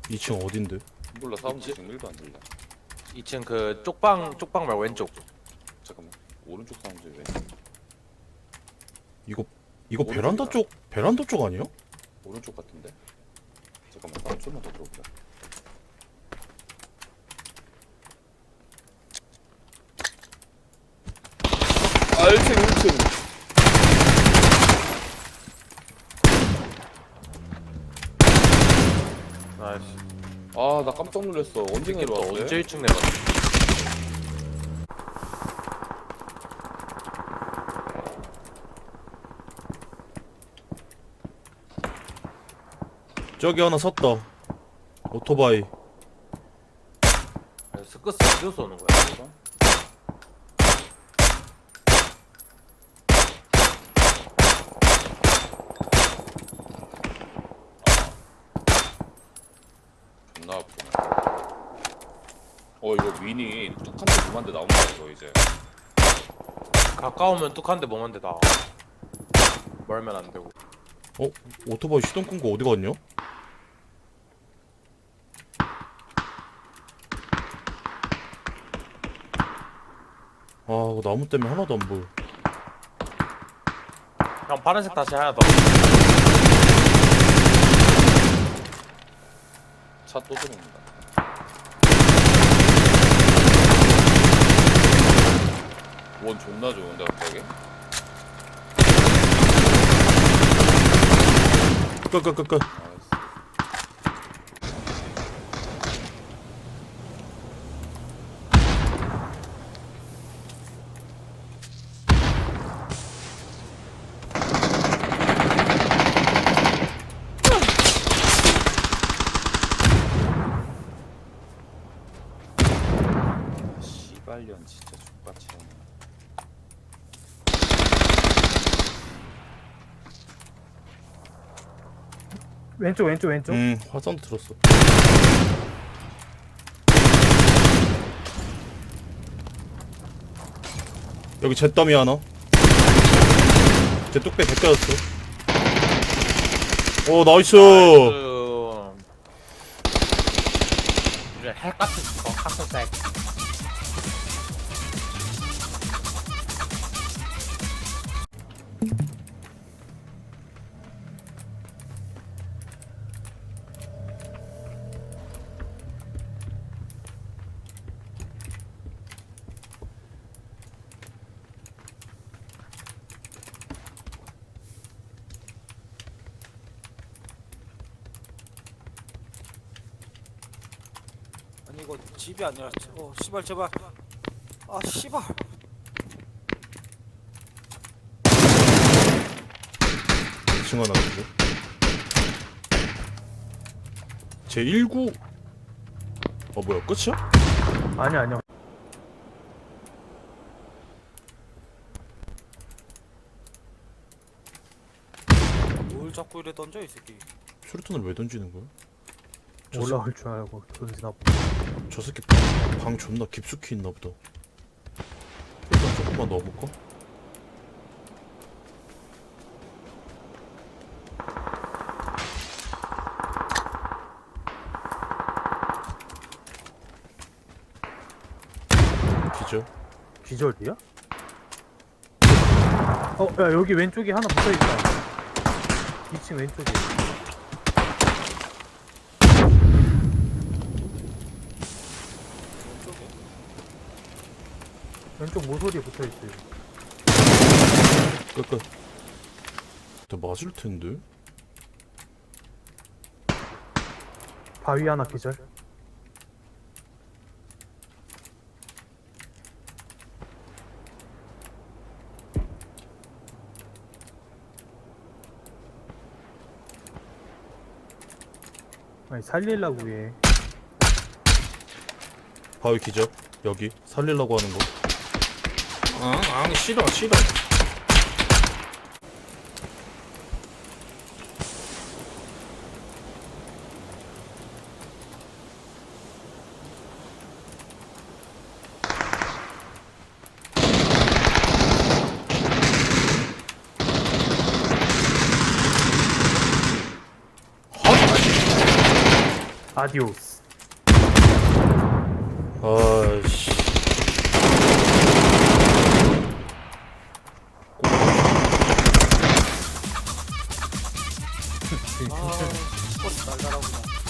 2층 어딘데? 몰라 사운드 지금 1도 안 들려. 2층 그 쪽방 말고 왼쪽. 잠깐만. 오른쪽 사운드 왜? 이거 오른쪽이다. 베란다 쪽 아니야? 오른쪽 같은데? 잠깐만 사운드 좀만 더 들어보자. 아 1층 1층. 나이스. 아 나 깜짝 놀랐어. 언제 내려왔어? 언제 1층 내려왔어? 저기 하나 섰다. 오토바이. 스크스 어디서 오는 거야? 이거? 존나 아프네. 이거 윈이 뚝한대 두만대 나온다 이거 이제. 가까우면 뚝한데 멍한데 다. 멀면 안 되고. 오토바이 시동 끈 거 어디 갔냐? 아, 이거 나무 때문에 하나도 안 보여. 형 파란색 다시 하나 더. 차 또 들어온다. 원 존나 좋은데 갑자기? 끄끄끄끄. 나이스. 씨발년 진짜 족같이 하네. 왼쪽 화산도 들었어. 여기 잿더미 하나. 제 뚝배 벗겨졌어. 오, 나이스. 이제 핵 같은 거 학생색. 아니 이거 집이 아니라 씨발 제발 아 씨발 2층 하나 있고. 제 19. 뭐야, 끝이야? 아니야. 뭘 자꾸 이래 던져 이 새끼. 수류탄을 왜 던지는 거야? 올라올 줄 알고 던지나 보다. 저 새끼 방 존나 깊숙이 있나 보다. 일단 조금만 넣어볼까? 기절. 기절이야? 야 여기 왼쪽에 하나 붙어있다. 2층 왼쪽에. 왼쪽 모서리에 붙어있어요. 끝. 나 맞을 텐데. 바위 하나 기절. 아니 살릴라고 해. 바위 기절. 여기 살리려고 하는 거. 싫어. 아디오스. 아씨. 아 버스 날라라구나